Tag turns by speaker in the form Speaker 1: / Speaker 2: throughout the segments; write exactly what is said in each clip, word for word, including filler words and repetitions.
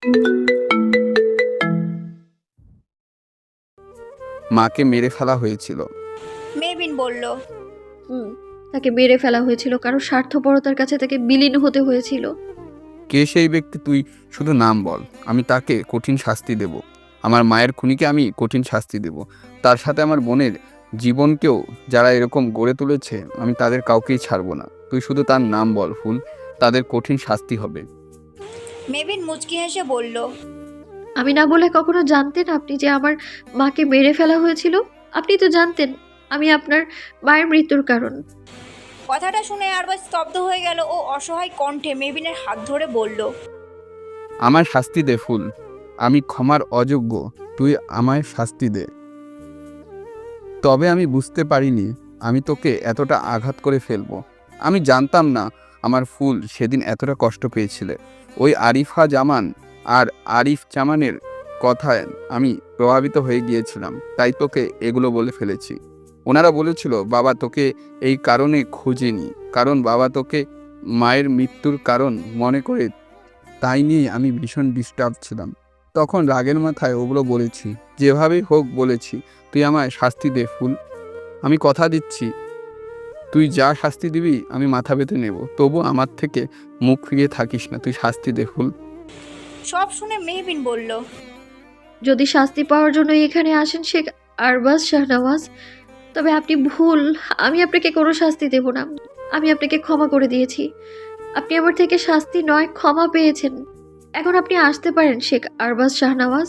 Speaker 1: মাকে মেরে ফেলা হয়েছিল।
Speaker 2: মেহবিন বলল।
Speaker 3: হুম, তাকে মেরে ফেলা হয়েছিল, কারণ স্বার্থপরতার কাছে তাকে বিলীন হতে হয়েছিল।
Speaker 1: কে সেই ব্যক্তি তুই শুধু নাম বল, আমি তাকে কঠিন শাস্তি দেব। আমার মায়ের খুনিকে আমি কঠিন শাস্তি দেব, তার সাথে আমার বোনের জীবনকেও যারা এরকম গড়ে তুলেছে আমি তাদের কাউকেই ছাড়বো না। তুই শুধু তার নাম বল ফুল, তাদের কঠিন শাস্তি হবে।
Speaker 2: মেহবিন মুচকি হেসে বলল।
Speaker 3: আমি না বলে কখনো জানতেন আপনি যে আমার মাকে মেরে ফেলা হয়েছিল? আপনি তো জানতেন আমি আপনার মায়ের মৃত্যুর কারণ।
Speaker 2: কথাটা শুনে আরবাজ স্তব্ধ হয়ে গেল ও অসহায় কণ্ঠে মেহবিনের হাত ধরে বলল।
Speaker 1: আমার শাস্তি দে ফুল, আমি ক্ষমার অযোগ্য, তুই আমায় শাস্তি দে। তবে আমি বুঝতে পারিনি আমি তোকে এতটা আঘাত করে ফেলবো। আমি জানতাম না আমার ফুল সেদিন এতটা কষ্ট পেয়েছিলে। ওই আরিফা জামান আর আরিফ জামানের কথায় আমি প্রভাবিত হয়ে গিয়েছিলাম, তাই তোকে এগুলো বলে ফেলেছি। ওনারা বলেছিল বাবা তোকে এই কারণে খোঁজেনি, কারণ বাবা তোকে মায়ের মৃত্যুর কারণ মনে করে, তাই নিয়ে আমি ভীষণ ডিস্টার্ব ছিলাম। তখন রাগের মাথায় ওগুলো বলেছি, যেভাবেই হোক বলেছি তুই আমায় শাস্তি দে ফুল। আমি কথা দিচ্ছি তুই যা শাস্তি দিবি আমি মাথা পেতে নেব, তবু আমার থেকে মুখ ফিরিয়ে থাকিস না, তুই শাস্তি দে ফুল।
Speaker 2: সব শুনে মেহবিন বলল।
Speaker 3: যদি শাস্তি পাওয়ার জন্য এখানে আসেন শেখ আরবাজ শাহনওয়াজ, তবে আপনি ভুল। আমি আপনাকে কোনো শাস্তি দেব না। আমি আপনাকে ক্ষমা করে দিয়েছি। আপনি আমার থেকে শাস্তি নয় ক্ষমা পেয়েছেন। এখন আপনি আসতে পারেন শেখ আরবাজ শাহনওয়াজ।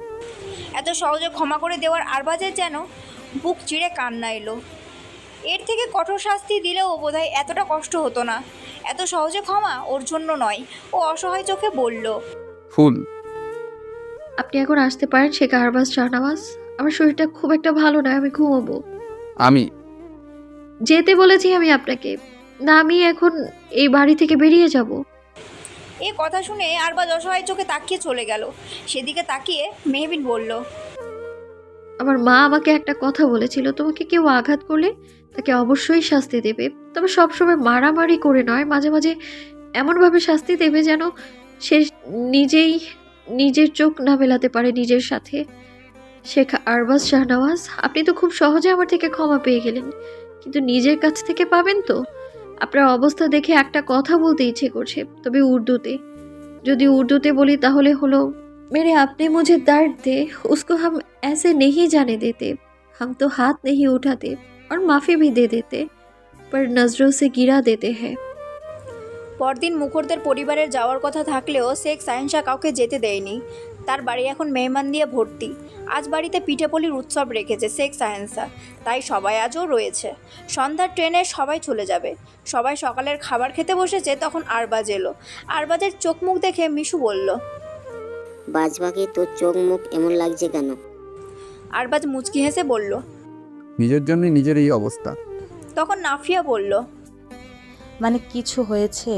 Speaker 2: এত সহজে ক্ষমা করে দেওয়ার আরবাজের যেন বুক চিড়ে কান্না এলো। এর থেকে কঠোর শাস্তি দিলেও বোধহয় এতটা কষ্ট হতো না। এত সহজে ক্ষমা ওর জন্য নয়। ও অসহায় চোখে বলল।
Speaker 1: ফুল
Speaker 3: আপনি এখন আসতে পারেন শেখ আরবাজ শাহনওয়াজ। আমার শরীরটা খুব একটা ভালো নয়, আমি ঘুমাবো।
Speaker 1: আমি
Speaker 3: যেতে বলেছি আমি আপনাকে, না আমি এখন এই বাড়ি থেকে বেরিয়ে যাব।
Speaker 2: এই কথা শুনে আরবাজ অসহায় চোখে তাকিয়ে চলে গেল। সেদিকে তাকিয়ে মেহবিন বলল।
Speaker 3: আমার মা আমাকে একটা কথা বলেছিল, তোমাকে কেউ আঘাত করলে তাকে অবশ্যই শাস্তি দেবে, তবে সবসময় মারামারি করে নয়, মাঝে মাঝে এমনভাবে শাস্তি দেবে যেন সে নিজেই নিজের চোখ না মেলাতে পারে নিজের সাথে। শেখ আরবাজ শাহনওয়াজ, আপনি তো খুব সহজে আমার থেকে ক্ষমা পেয়ে গেলেন, কিন্তু নিজের কাছ থেকে পাবেন তো? আপনার অবস্থা দেখে একটা কথা বলতে ইচ্ছে করছে, তবে উর্দুতে। যদি উर्दूते बोली ताहले हलो, मेरे अपने मुझे दर्द दे, उसको हम ऐसे नहीं जाने देते। हम तो हाथ नहीं उठाते और माफ़ी भी दे देते, पर नज़रों से गिरा देते हैं।
Speaker 2: পরদিন মুখরদের পরিবারের যাওয়ার কথা থাকলেও শেখ সাহেনশা কাউকে যেতে দেয়নি। তার বাড়ি এখন মেহমান দিয়ে ভর্তি। আজ বাড়িতে পিঠেপুলির উৎসব রেখেছে শেখ সাহেনশা, তাই সবাই আজও রয়েছে। সন্ধ্যার ট্রেনে সবাই চলে যাবে। সবাই সকালের খাবার খেতে বসেছে, তখন আরবাজ এলো। আরবাজের চোখ মুখ দেখে মিশু বলল।
Speaker 4: বাজবাকে তোর চোখ মুখ এমন লাগছে কেন?
Speaker 2: আরবাজ মুচকি হেসে বলল।
Speaker 1: নিজের জন্য নিজের এই অবস্থা।
Speaker 2: তখন নাফিয়া বলল।
Speaker 5: মানে কিছু হয়েছে?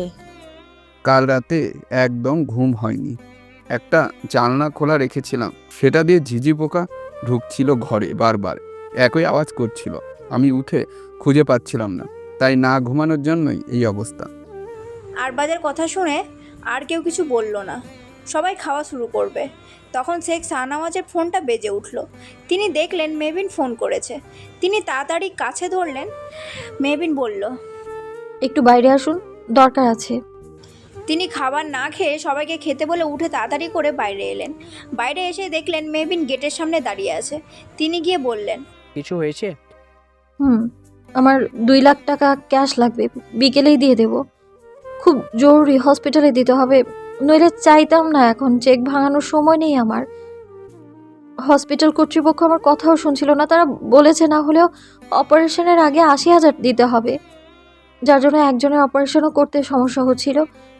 Speaker 1: কাল রাতে একদম ঘুম হয়নি। একটা জানলা খোলা রেখেছিলাম, সেটা দিয়ে ঝিঝি পোকা ঢুকছিল ঘরে, বারবার একই আওয়াজ করছিল। আমি উঠে খুঁজে পাচ্ছিলাম না, তাই না ঘুমানোর জন্যই এই অবস্থা।
Speaker 2: আরবাজের কথা শুনে আর কেউ কিছু বলল না। সবাই খাওয়া শুরু করবে। তখন শেখ শাহনওয়াজের ফোনটা বেজে উঠল। তিনি দেখলেন মেহবিন ফোন করেছে। তিনি তাড়াতাড়ি কাছে ধরলেন। মেহবিন বলল।
Speaker 3: একটু বাইরে আসুন, দরকার আছে।
Speaker 2: তিনি খাবার না খেয়ে সবাইকে খেতে বলে উঠে তাড়াতাড়ি করে বাইরে এলেন। বাইরে এসে দেখলেন মেহবিন গেটের সামনে দাঁড়িয়ে আছে। তিনি গিয়ে বললেন।
Speaker 6: কিছু হয়েছে?
Speaker 3: হুম, আমার দুই লাখ টাকা ক্যাশ লাগবে, বিকেলেই দিয়ে দেব। খুব জরুরি, হসপিটালে দিতে হবে, নইলে চাইতাম না, এখন চেক ভাঙানোর সময় নেই আমার। হসপিটাল কর্তৃপক্ষ আমার কথাও শুনছিল না, তারা বলেছে না হলেও অপারেশনের আগে আশি হাজার দিতে হবে, যার জন্য একজনের অপারেশনও করতে সমস্যা হচ্ছিল।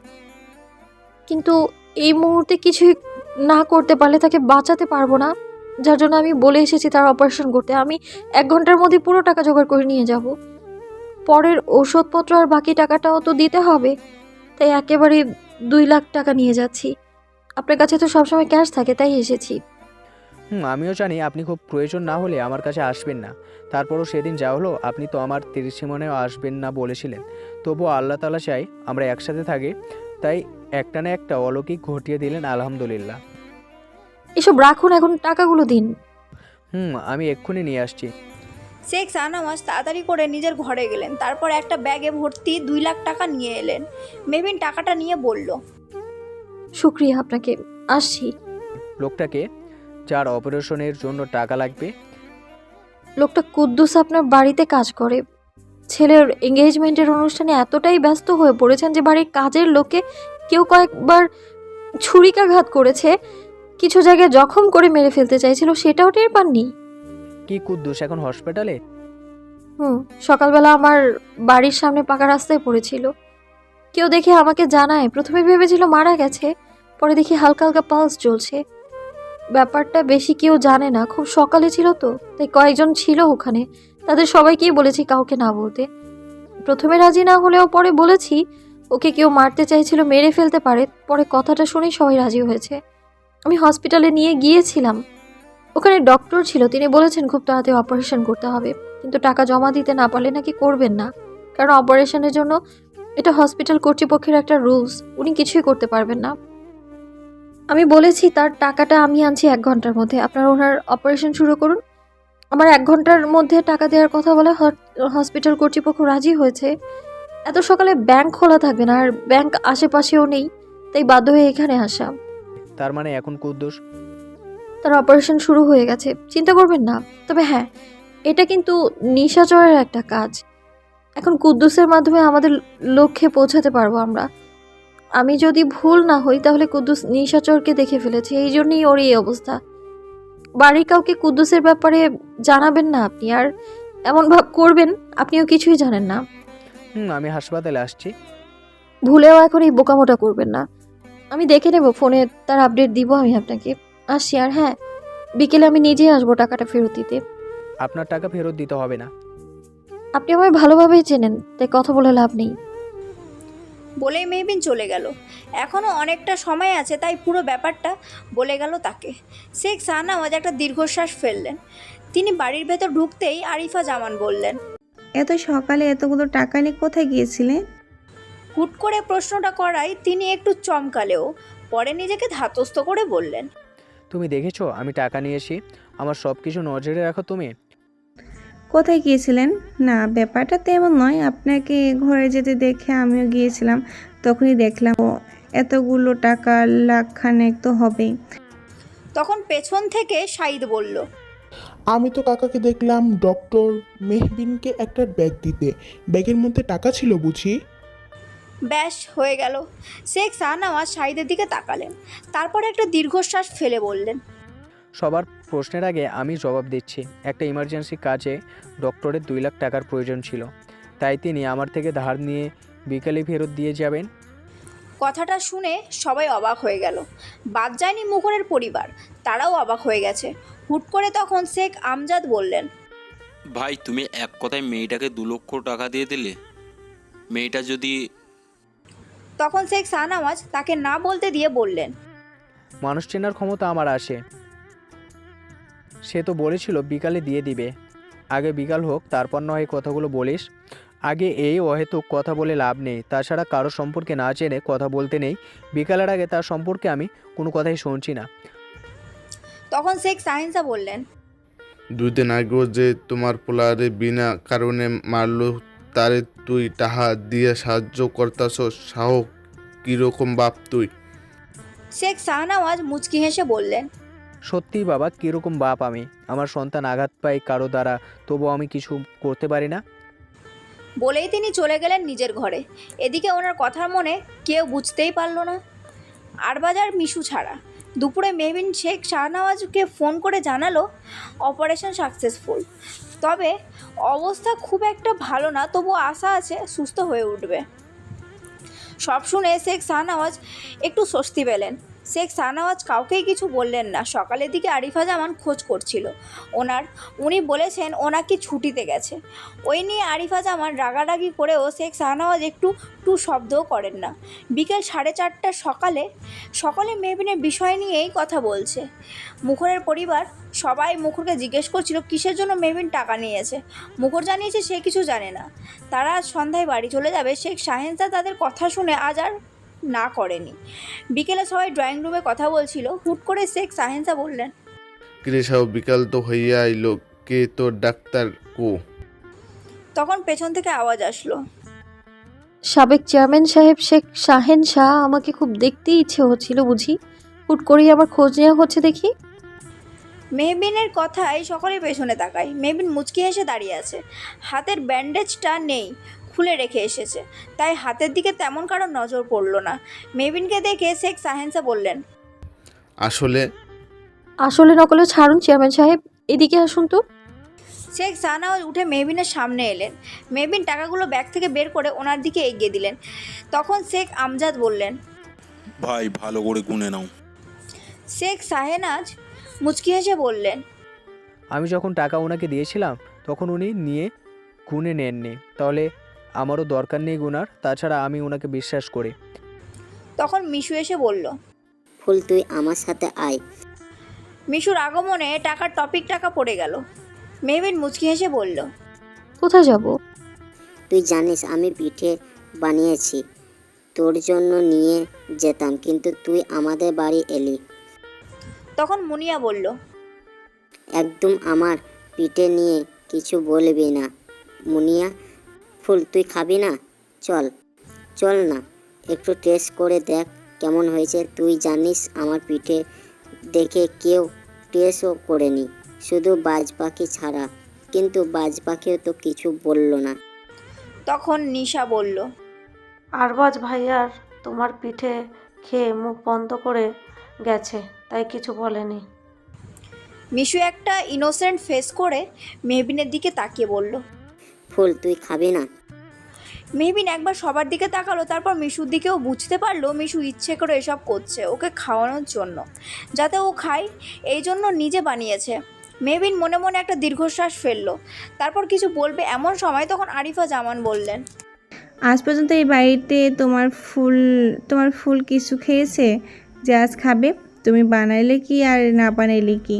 Speaker 3: কিন্তু এই মুহূর্তে কিছুই না করতে পারলে তাকে বাঁচাতে পারবো না, যার জন্য আমি বলে এসেছি তার অপারেশন করতে। আমি এক ঘন্টার মধ্যে পুরো টাকা জোগাড় করে নিয়ে যাব। পরের ওষুধপত্র আর বাকি টাকাটাও তো দিতে হবে, তাই একেবারে দুই লাখ টাকা নিয়ে যাচ্ছি। আপনার কাছে তো সবসময় ক্যাশ থাকে, তাই এসেছি।
Speaker 6: হুম, আমিও জানি আপনি খুব প্রয়োজন না হলে আমার কাছে আসবেন না। তারপরও সেদিন যা হলো, আপনি তো আমার তিরিশি মনেও আসবেন না বলেছিলেন। তবুও আল্লাহ তাআলা চাই আমরা একসাথে থাকি। তাই একটা না একটা অলৌকিক ঘটিয়ে দিলেন আলহামদুলিল্লাহ।
Speaker 3: এসব রাখুন, এখন টাকাগুলো দিন।
Speaker 6: হুম আমি এক্ষুনি নিয়ে আসছি।
Speaker 2: শেখ শাহনওয়াজ তাড়াতাড়ি করে নিজের ঘরে গেলেন, তারপর একটা ব্যাগে ভর্তি দুই লাখ টাকা নিয়ে এলেন। মেহবিন টাকাটা নিয়ে বলল,
Speaker 3: শুক্রিয়া আপনাকে, আসছি।
Speaker 6: লোকটাকে যার অপারেশনের জন্য টাকা লাগবে।
Speaker 3: লোকটা কুদ্দুস আপনার বাড়িতে কাজ করে। ছেলের এঙ্গেজমেন্টের অনুষ্ঠানে এতটাই ব্যস্ত হয়ে পড়েছেন যে বাড়ির কাজের লোকে কেউ কয়েকবার ছুরিকাঘাত করেছে, কিছু জায়গায় জখম করে মেরে ফেলতে চাইছিল, সেটাও টের পাননি।
Speaker 6: কি কুদ্দুস এখন হসপিটালে?
Speaker 3: হুম সকালবেলা আমার বাড়ির সামনে পাকা রাস্তায় পড়েছিল। কেউ দেখে আমাকে জানায়, প্রথমে ভেবেছিল মারা গেছে, পরে দেখি হালকা হালকা পালস চলছে। ব্যাপারটা বেশি কেউ জানে না, খুব সকালে ছিল তো, তাই কয়েকজন ছিল ওখানে, তাদের সবাইকেই বলেছি কাউকে না বলতে। প্রথমে রাজি না হলেও পরে বলেছি ওকে কেউ মারতে চাইছিল, মেরে ফেলতে পারে। পরে কথাটা শুনেই সবাই রাজি হয়েছে। আমি হসপিটালে নিয়ে গিয়েছিলাম, ওখানে ডক্টর ছিল, তিনি বলেছেন খুব তাড়াতাড়ি অপারেশন করতে হবে, কিন্তু টাকা জমা দিতে না পারলে নাকি করবেন না, কারণ অপারেশনের জন্য এটা হসপিটাল কর্তৃপক্ষের একটা রুলস, উনি কিছুই করতে পারবেন না। আমি বলেছি তার টাকাটা আমি আনছি এক ঘন্টার মধ্যে, আপনারা ওনার অপারেশন শুরু করুন। আমার এক ঘন্টার মধ্যে টাকা দেওয়ার কথা বলে হসপিটাল কর্তৃপক্ষ রাজি হয়েছে। এত সকালে ব্যাংক খোলা থাকবে না, আর ব্যাংক আশেপাশেও নেই, তাই বাধ্য হয়ে এখানে আসা।
Speaker 6: তার মানে এখন কুদ্দুস
Speaker 3: তার অপারেশন শুরু হয়ে গেছে, চিন্তা করবেন না। তবে হ্যাঁ, এটা কিন্তু নিশাচরের একটা কাজ। এখন কুদ্দুসের মাধ্যমে আমাদের লক্ষ্যে পৌঁছাতে পারবো আমরা। আমি যদি ভুল না হই তাহলে কুদ্দুস নিশাচরকে দেখে ফেলেছে, এই জন্যই ওর এই অবস্থা। বাড়ির কাউকে কুদ্দুসের ব্যাপারে জানাবেন না আপনি, আর এমন ভাব করবেন আপনিও কিছুই জানেন না।
Speaker 6: হুম আমি হাসপাতালে আসছি।
Speaker 3: ভুলেও এখন এই বোকামোটা করবেন না। আমি দেখে নেব, ফোনে তার আপডেট দিব আমি আপনাকে। আসছি। আর হ্যাঁ, বিকেলে আমি নিজেই আসবো টাকাটা ফেরত দিতে।
Speaker 6: আপনার টাকা ফেরত দিতে হবে না।
Speaker 3: আপনি আমায় ভালোভাবেই চেনেন, তাই কথা বলে লাভ নেই।
Speaker 2: বলেই মেহবিন চলে গেল। এখনও অনেকটা সময় আছে, তাই পুরো ব্যাপারটা বলে গেল তাকে। শেখ শাহনওয়াজ একটা দীর্ঘশ্বাস ফেললেন। তিনি বাড়ির ভেতর ঢুকতেই আরিফা জামান বললেন,
Speaker 7: এত সকালে এতগুলো টাকা নিয়ে কোথায় গিয়েছিলে?
Speaker 2: হুট করে প্রশ্নটা করায় তিনি একটু চমকালেও পরে নিজেকে ধাতস্থ করে বললেন,
Speaker 6: তুমি দেখেছো আমি টাকা নিয়েছি, আমার সব কিছু নজরে রাখো তুমি।
Speaker 7: কোথায় গিয়েছিলেন? না, ব্যাপারটা তেমন নয়, আপনাকে ঘরে যেতে দেখে আমিও গিয়েছিলাম, তখনই দেখলাম ও এতগুলো টাকা লাখখানেক তো হবেই।
Speaker 2: তখন পেছন থেকে শাহিদ বলল,
Speaker 8: আমি তো কাকাকে দেখলাম ডক্টর মেহবিনকে একটা ব্যাগ দিতে, ব্যাগের মধ্যে টাকা ছিল বুঝি?
Speaker 2: ব্যাস হয়ে গেল। শেখ শাহনওয়াজ শাহিদের দিকে তাকালেন, তারপর একটা দীর্ঘশ্বাস ফেলে বললেন,
Speaker 6: সবার প্রশ্নের আগে আমি জবাব দিচ্ছি। একটা ইমার্জেন্সি কাজে ডক্টরের দুই লাখ টাকার প্রয়োজন ছিল, তাই তিনি আমার থেকে ধার নিয়ে বিকেলে ফেরত দিয়ে যাবেন।
Speaker 2: কথাটা শুনে সবাই অবাক হয়ে গেল। বাদ যায়নি মুখরের পরিবার, তারাও অবাক হয়ে গেছে। হুট করে তখন শেখ আমজাদ বললেন,
Speaker 9: ভাই তুমি এক কথায় মেয়েটাকে দু লক্ষ টাকা দিয়ে দিলে। মেয়েটা যদি
Speaker 2: তখন শেখ শাহনওয়াজ তাকে না বলতে দিয়ে বললেন,
Speaker 6: মানুষ চেনার ক্ষমতা আমার আসে। সে তো বলেছিল বিকালে দিয়ে দিবে, আগে বিকাল হোক তারপর নয় কথাগুলো বলিস। আগে এই অহেতুক কথা বলে লাভ নেই, তাছাড়া কারো সম্পর্কে না জেনে কথা বলতে নেই। বিকালের আগে তার সম্পর্কে আমি কোনো কথাই শুনছি না।
Speaker 2: তখন শেখ শাহিনশা বললেন,
Speaker 10: দুই দিন আগেও যে তোমার পোলারে বিনা কারণে মারলো, তারে তুই টাহা দিয়ে সাহায্য করতাছ, সাহস কিরকম বাপ তুই?
Speaker 2: শেখ শাহনওয়াজ মুচকি হেসে বললেন,
Speaker 6: সত্যিই বাবা, কীরকম বাপ আমি? আমার সন্তান আঘাত পায় কারো দ্বারা, তবুও আমি কিছু করতে পারি না।
Speaker 2: বলেই তিনি চলে গেলেন নিজের ঘরে। এদিকে ওনার কথার মনে কেউ বুঝতেই পারল না, আরবাজার মিশু ছাড়া। দুপুরে মেহবিন শেখ শাহনওয়াজকে ফোন করে জানালো অপারেশন সাকসেসফুল, তবে অবস্থা খুব একটা ভালো না, তবু আশা আছে সুস্থ হয়ে উঠবে। সব শুনে শেখ শাহনওয়াজ একটু স্বস্তি পেলেন। শেখ শাহনওয়াজ কাউকেই কিছু বললেন না। সকালের দিকে আরিফা জামান খোঁজ করছিল ওনার, উনি বলেছেন ওনাকে ছুটিতে গেছে। ওই নিয়ে আরিফা জামান রাগারাগি করেও শেখ শাহনওয়াজ একটু টু শব্দও করেন না। বিকেল সাড়ে চারটার সকালে সকলে মেহবিনের বিষয় নিয়েই কথা বলছে। মুখরের পরিবার সবাই মুখরকে জিজ্ঞেস করছিল কিসের জন্য মেহবিন টাকা নিয়েছে। মুখর জানিয়েছে সে কিছু জানে না। তারা আজ সন্ধ্যায় বাড়ি চলে যাবে। শেখ শাহেনশা তাদের কথা শুনে আজ আর না করেনি। বিকেলে সবাই ড্রয়িং রুমে কথা বলছিল, হুট করে শেখ সাহেন্সা বললেন,
Speaker 10: কিরে সাহু, বিকাল তো হইয়া আইলো, কে তোর ডাক্তার কো?
Speaker 2: তখন পেছন থেকে আওয়াজ আসলো,
Speaker 3: সাবেক চেয়ারম্যান সাহেব শেখ শাহেন শাহ। আমাকে খুব দেখতে ইচ্ছে হচ্ছিল বুঝি, হুট করেই আমার খোঁজ নেওয়া হচ্ছে দেখি।
Speaker 2: মেহবিনের কথায় সকলে পেছনে তাকায়। মেহবিন মুচকি হেসে দাঁড়িয়ে আছে, হাতের ব্যান্ডেজটা নেই, খুলে রেখে এসেছে, তাই হাতের দিকে তেমন কারো নজর পড়ল না। মেহবিনকে দেখে শেখ সাহেন্সা বললেন,
Speaker 10: আসলে
Speaker 3: আসলে নকলে ছাড়ুন চেয়ারম্যান সাহেব, এদিকে আসুন তো।
Speaker 2: শেখ শাহনওয়াজ উঠে মেহবিনের সামনে এলেন। মেহবিন টাকাগুলো ব্যাগ থেকে বের করে ওনার দিকে এগিয়ে দিলেন। তখন শেখ আমজাদ বললেন,
Speaker 9: ভাই ভালো করে গুনে নাও।
Speaker 2: শেখ শাহেনাজ মুচকি হেসে বললেন,
Speaker 6: আমি যখন টাকা ওনাকে দিয়েছিলাম তখন উনি নিয়ে গুনে নেননি, তাহলে আমারও দরকার নেই গুনার। তাছাড়া আমি ওনাকে বিশ্বাস করি।
Speaker 2: তখন মিশু এসে বলল,
Speaker 4: ফুল তুই আমার সাথে আয়।
Speaker 2: মিশুর আগমনে টাকার টপিক টাকা পড়ে গেল। মেহবিন মুচকি হেসে বলল,
Speaker 3: কোথায় যাব?
Speaker 4: তুই জানিস আমি পিঠে বানিয়েছি, তোর জন্য নিয়ে যেতাম, কিন্তু তুই আমাদের বাড়ি এলি।
Speaker 2: তখন মুনিয়া বলল,
Speaker 4: একদম আমার পিঠে নিয়ে কিছু বলবি না মুনিয়া। ফুল তুই খাবি না? চল চল না, একটু টেস্ট করে দেখ কেমন হয়েছে। তুই জানিস আমার পিঠে দেখে কেউ টেস্টও করেনি, শুধু বাজ পাখি ছাড়া। কিন্তু বাজ পাখিও তো কিছু বলল না।
Speaker 2: তখন নিশা বলল,
Speaker 11: আরবাজ ভাইয়ার তোমার পিঠে খেয়ে মুখ বন্ধ করে গেছে, তাই কিছু বলেনি।
Speaker 2: মিশু একটা ইনোসেন্ট ফেস করে মেহবিনের দিকে তাকিয়ে বলল,
Speaker 4: ফুল তুই খাবি না?
Speaker 2: মেহবিন একবার সবার দিকে তাকালো, তারপর মিশুর দিকেও। বুঝতে পারলো মিশু ইচ্ছে করে এসব করছে ওকে খাওয়ানোর জন্য, যাতে ও খায়, এই জন্য নিজে বানিয়েছে। মেহবিন মনে মনে একটা দীর্ঘশ্বাস ফেললো, তারপর কিছু বলবে এমন সময় তখন আরিফা জামান বললেন,
Speaker 7: আজ পর্যন্ত এই বাড়িতে তোমার ফুল তোমার ফুল কিছু খেয়েছে যে আজ খাবে? তুমি বানাইলে কি আর না বানাইলে কি?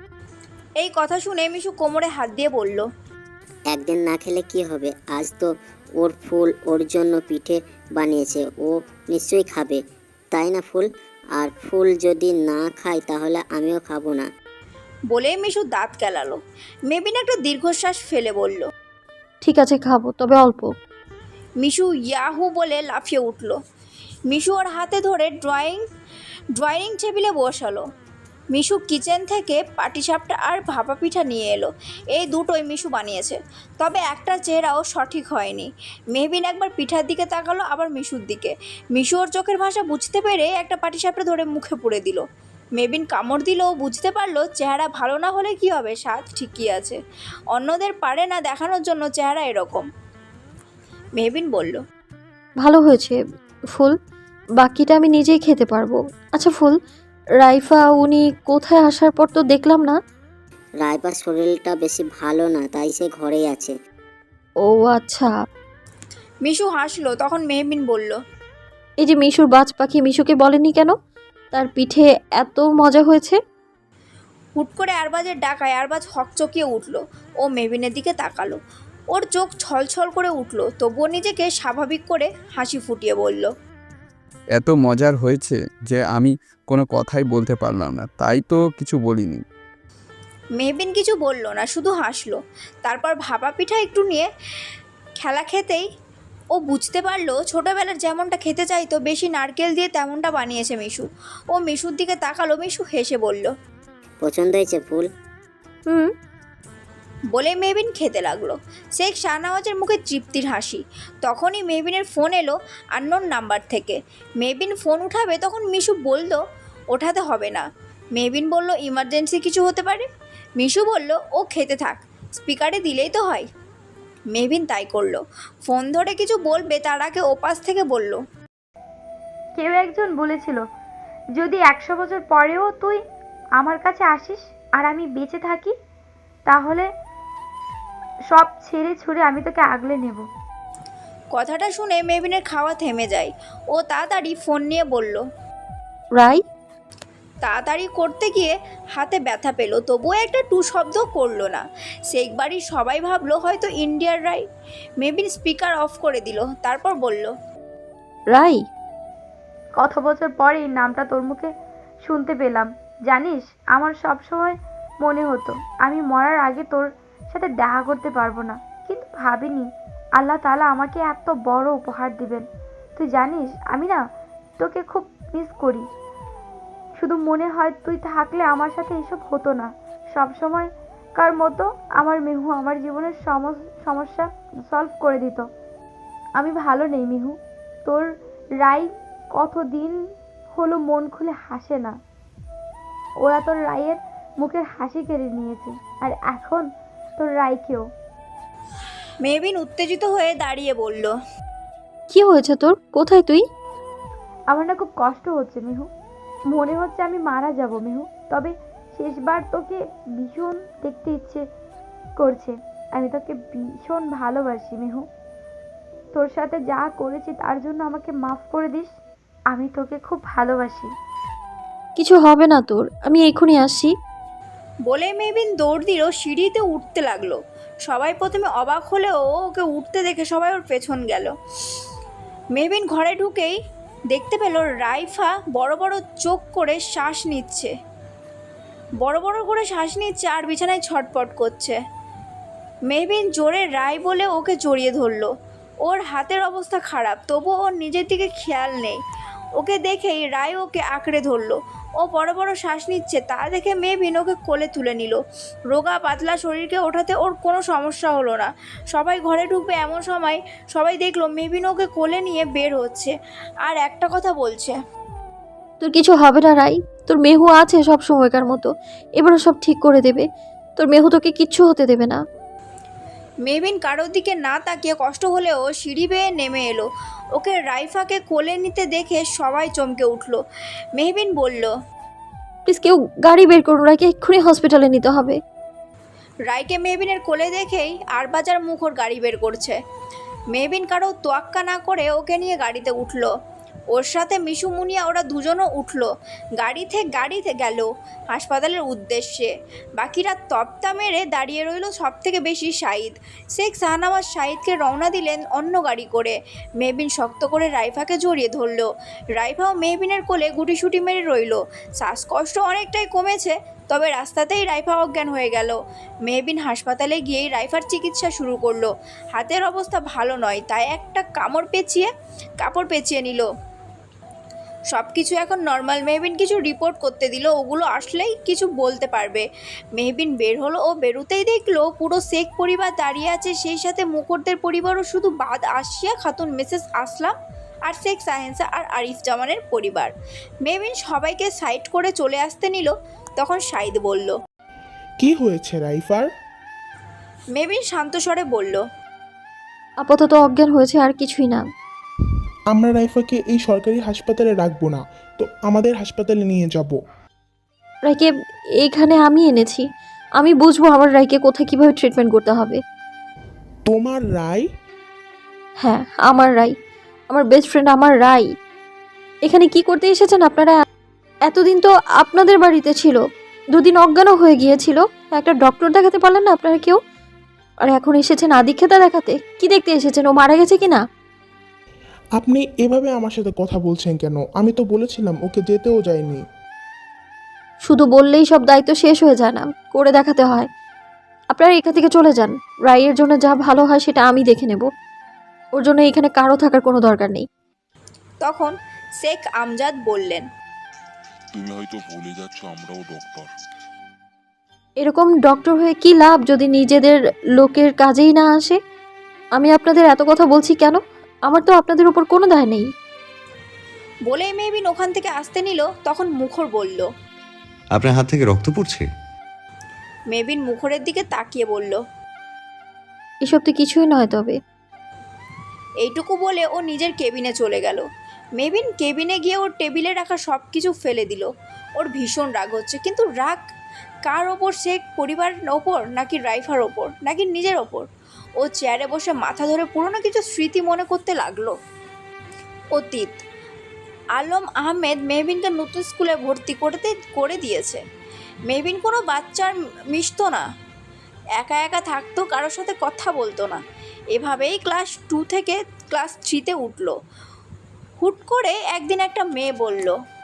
Speaker 2: এই কথা শুনে মিশু কোমরে হাত দিয়ে বলল,
Speaker 4: একদিন না খেলে কি হবে? আজ তো ওর ফুল ওর জন্য পিঠে বানিয়েছে, ও নিশ্চয়ই খাবে, তাই না ফুল? আর ফুল যদি না খায় তাহলে আমিও খাবো না।
Speaker 2: বলে মিশু দাঁত কেলালো। মেহবিন একটা দীর্ঘশ্বাস ফেলে বলল,
Speaker 3: ঠিক আছে খাবো, তবে অল্প।
Speaker 2: মিশু ইয়াহু বলে লাফিয়ে উঠল। মিশু ওর হাতে ধরে ড্রয়িং ড্রয়িং টেবিলে বসালো। মিশু কিচেন থেকে পাটিসাপটা আর ভাপা পিঠা নিয়ে এলো। এই দুটোই মিশু বানিয়েছে, তবে একটা চেহারাও সঠিক হয়নি। মেহবিন একবার পিঠার দিকে তাকালো, আবার মিশুর দিকে। মিশু ওর চোখের ভাষা বুঝতে পেরে একটা পাটিসাপটা ধরে মুখে পুরে দিল। মেহবিন কামড় দিল, ও বুঝতে পারলো চেহারা ভালো না হলে কি হবে, স্বাদ ঠিকই আছে। অন্যদের পারে না দেখানোর জন্য চেহারা এরকম। মেহবিন বলল,
Speaker 3: ভালো হয়েছে ফুল, বাকিটা আমি নিজেই খেতে পারবো। আচ্ছা ফুল, রাইফা উনি কোথায় আসার পর তো দেখলাম না।
Speaker 4: রাইবার শরীরটা বেশি ভালো না, তাই সে ঘরেই আছে।
Speaker 3: ও আচ্ছা।
Speaker 2: মিশু হাসলো। তখন মেহবিন বলল,
Speaker 3: এই যে মিশুর বাজ পাখি, মিশুকে বলেনি কেন তার পিঠে এত মজা হয়েছে?
Speaker 2: হুট করে আরবাজের ডাকায় আরবাজ হকচকিয়ে উঠল। ও মেহবিনের দিকে তাকালো, ওর চোখ ছলছল করে উঠল, তবুও নিজেকে স্বাভাবিক করে হাসি ফুটিয়ে বলল,
Speaker 1: এত মজার হয়েছে যে আমি কোনো কথাই বলতে পারলাম না, তাই তো কিছু বলিনি।
Speaker 2: মেহবিন কিছু বলল না, শুধু হাসলো। তারপর ভাপা পিঠা একটু নিয়ে খেলা খেতেই ও বুঝতে পারলো ছোটোবেলার যেমনটা খেতে চাইতো, বেশি নারকেল দিয়ে তেমনটা বানিয়েছে মিশু। ও মিশুর দিকে তাকালো। মিশু হেসে বলল,
Speaker 4: পছন্দ হয়েছে ফুল?
Speaker 3: হুম।
Speaker 2: বলে মেহবিন খেতে লাগলো। শেখ শাহনওয়াজের মুখে তৃপ্তির হাসি। তখনই মেহবিনের ফোন এলো আননোন নাম্বার থেকে। মেহবিন ফোন উঠাবে, তখন মিশু বলল ওঠাতে হবে না। মেহবিন বলল ইমার্জেন্সি কিছু হতে পারে। মিশু বলল ও খেতে থাক, স্পিকারে দিলেই তো হয়। মেহবিন তাই করলো। ফোন ধরে কিছু বলবে তার আগে ওপাশ থেকে বলল,
Speaker 11: কেউ একজন বলেছিল যদি একশো বছর পরেও তুই আমার কাছে আসিস আর আমি বেঁচে থাকি, তাহলে সব ছেড়ে ছুড়ে আমি তোকে আগলে নেব।
Speaker 2: কথাটা শুনে মেহবিনের খাওয়া থেমে যায়। ও তাড়াতাড়ি ফোন নিয়ে বলল,
Speaker 3: রাই।
Speaker 2: তাড়াতাড়ি করতে গিয়ে হাতে ব্যথা পেল, তবুও একটা টু শব্দ করলো না। শেখ বাড়ির সবাই ভাবলো হয়তো ইন্ডিয়ার রাই। মেহবিন স্পিকার অফ করে দিল, তারপর বলল,
Speaker 3: রাই।
Speaker 11: কত বছর পরে এই নামটা তোর মুখে শুনতে পেলাম। জানিস, আমার সব সময় মনে হতো আমি মরার আগে তোর সাথে দেখা করতে পারবো না, কিন্তু ভাবিনি আল্লাহ তাআলা আমাকে এত বড় উপহার দিবেন। তুই জানিস আমি না তোকে খুব মিস করি। শুধু মনে হয় তুই থাকলে আমার সাথে এসব হতো না। সব সময় কার মতো আমার মিহু আমার জীবনের সমস্যা সলভ করে দিত। আমি ভালো নেই মিহু। তোর রাই কতদিন হলো মন খুলে হাসে না। ওরা তোর রায়ের মুখের হাসি কেড়ে নিয়েছে, আর এখন তোর রাইকেও।
Speaker 2: মেহবিন উত্তেজিত হয়ে দাঁড়িয়ে বলল,
Speaker 3: কি হয়েছে তোর? কোথায় তুই?
Speaker 11: আমার না খুব কষ্ট হচ্ছে মিহু। মনে হচ্ছে আমি মারা যাব মিহু। তবে শেষবার তোকে ভীষণ দেখতে ইচ্ছে করছে। আমি তোকে ভীষণ ভালোবাসি মিহু। তোর সাথে যা করেছি তার জন্য আমাকে মাফ করে দিস। আমি তোকে খুব ভালোবাসি।
Speaker 3: কিছু হবে না তোর, আমি এক্ষুনি আসছি।
Speaker 2: বলে মেহবিন দৌড় দিল, সিঁড়িতে উঠতে লাগলো। সবাই প্রথমে অবাক হলেও ওকে উঠতে দেখে সবাই ওর পেছন গেল। মেহবিন ঘরে ঢুকেই দেখতে পেল রাইফা বড় বড় চোখ করে শ্বাস নিচ্ছে বড় বড় করে শ্বাস নিচ্ছে আর বিছানায় ছটপট করছে। মেহবিন জোরে রায় বলে ওকে জড়িয়ে ধরলো। ওর হাতের অবস্থা খারাপ, তবু ওর নিজের দিকে খেয়াল নেই। ওকে দেখেই রায় ওকে আঁকড়ে ধরলো। ও বড় বড় শ্বাস নিচ্ছে তা দেখে মেহবিন ওকে কোলে তুলে নিল। রোগা পাতলা শরীরকে ওঠাতে ওর কোনো সমস্যা হলো না। সবাই ঘরে ঢুকবে এমন সময় সবাই দেখলো মেহবিন ওকে কোলে নিয়ে বের হচ্ছে আর একটা কথা বলছে,
Speaker 3: তোর কিছু হবে না রাই, তোর মেহু আছে সব সময়কার মতো, এবারে সব ঠিক করে দেবে। তোর মেহু তোকে কিচ্ছু হতে দেবে না।
Speaker 2: মেহবিন কারোর দিকে না তাকিয়ে কষ্ট হলেও সিঁড়ি বেয়ে নেমে এলো। ওকে রাইফাকে কোলে নিতে দেখে সবাই চমকে উঠলো। মেহবিন বলল,
Speaker 3: প্লিজ কেউ গাড়ি বের করুন, রাইকে এক্ষুনি হসপিটালে নিতে হবে।
Speaker 2: রাইকে মেহবিনের কোলে দেখেই আরবাজার মুখর গাড়ি বের করছে। মেহবিন কারো তোয়াক্কা না করে ওকে নিয়ে গাড়িতে উঠলো। ওর সাথে মিশু মুনিয়া ওরা দুজনও উঠলো। গাড়ি থেকে গাড়িতে গেল হাসপাতালের উদ্দেশ্যে। বাকিরা তপ্তা মেরে দাঁড়িয়ে রইল, সব থেকে বেশি শাহিদ। শেখ শাহনামাজ শাহিদকে রওনা দিলেন অন্য গাড়ি করে। মেহবিন শক্ত করে রাইফাকে জড়িয়ে ধরল। রাইফাও মেহবিনের কোলে গুটিসুটি মেরে রইল। শ্বাসকষ্ট অনেকটাই কমেছে, তবে রাস্তাতেই রাইফা অজ্ঞান হয়ে গেল। মেহবিন হাসপাতালে গিয়েই রাইফার চিকিৎসা শুরু করলো। হাতের অবস্থা ভালো নয়, তাই একটা কামড় পেঁচিয়ে কাপড় পেঁচিয়ে নিল। সব কিছু এখন নর্মাল। মেহবিন কিছু রিপোর্ট করতে দিল, ওগুলো আসলেই কিছু বলতে পারবে। মেহবিন বের হলো। ও বেরোতেই দেখলো পুরো শেখ পরিবার দাঁড়িয়ে আছে, সেই সাথে মুখরদের পরিবারও, শুধু বাদ আসিয়া খাতুন, মিসেস আসলাম আর শেখ সাহেন্সা আর আরিফ জামানের পরিবার। মেহবিন সবাইকে সাইড করে চলে আসতে নিল, তখন শাহিদ বলল,
Speaker 8: কি হয়েছে রাইফার?
Speaker 2: মেহবিন শান্ত স্বরে বলল,
Speaker 3: আপাতত অজ্ঞান হয়েছে, আর কিছুই না।
Speaker 8: আমরা রাইফাকে এই সরকারি হাসপাতালে রাখবো না, তো আমাদের হাসপাতালে নিয়ে যাব।
Speaker 3: রাইকে এইখানে আমি এনেছি, আমি বুঝবো আমার রাইকে কোথায় কিভাবে ট্রিটমেন্ট করতে হবে।
Speaker 8: তোমার রায়?
Speaker 3: হ্যাঁ, আমার রাই, আমার বেস্ট ফ্রেন্ড আমার রাই। এখানে কি করতে এসেছেন আপনারা? এতদিন তো আপনাদের বাড়িতে ছিল, দুদিন অজ্ঞানও হয়ে গিয়েছিল, একটা ডক্টর দেখাতে পারলেন না আপনারা কেউ? আর এখন এসেছেন আদিক্ষেতা দেখাতে? কি দেখতে এসেছেন, ও মারা গেছে কিনা?
Speaker 8: আপনি এভাবে আমার সাথে কথা বলছেন কেন? আমি তো বলেছিলাম ওকে যেতেও যায়নি।
Speaker 3: শুধু বললেই সব দায়িত্ব শেষ হয়ে যায় না, করে দেখাতে হয়। আপনারা এখান থেকে চলে যান, রাইয়ের জন্য যা ভালো হয় সেটা আমি দেখে নেব। ওর জন্য এখানে কারো থাকার কোনো দরকার নেই।
Speaker 2: তখন শেখ আমজাদ বললেন,
Speaker 12: তুমি হয়তো ভুলে যাচ্ছ আমরাও ডক্টর।
Speaker 3: এরকম ডক্টর হয়ে কি লাভ যদি নিজেদের লোকের কাজেই না আসে? আমি আপনাদের এত কথা বলছি কেন? আমার তো আপনাদের উপর কোনো দায় নেই।
Speaker 2: বলেই মেহবিন ওখান থেকে আসতে নিল, তখন মুখর বলল,
Speaker 13: আপনার হাত থেকে রক্ত পড়ছে।
Speaker 2: মেহবিন মুখরের দিকে তাকিয়ে বলল,
Speaker 3: এসব তো কিছুই নয়। তবে
Speaker 2: এইটুকু বলে ও নিজের কেবিনে চলে গেল। মেহবিন কেবিনে গিয়ে ওর টেবিলে রাখা সব কিছু ফেলে দিল। ওর ভীষণ রাগ হচ্ছে, কিন্তু রাগ কার ওপর? শেখ পরিবারের ওপর, নাকি রাইফার ওপর, নাকি নিজের ওপর? ও চেয়ারে বসে মাথা ধরে পুরনো কিছু স্মৃতি মনে করতে লাগলো। অতীত। আলম আহমেদ মেহবিনকে নতুন স্কুলে ভর্তি করতে করে দিয়েছে। মেহবিন কোনো বাচ্চার মিশতো না, একা একা থাকতো, কারোর সাথে কথা বলতো না। এভাবেই ক্লাস টু থেকে ক্লাস থ্রিতে উঠলো। হুট করে একদিন একটা মেয়ে বলল,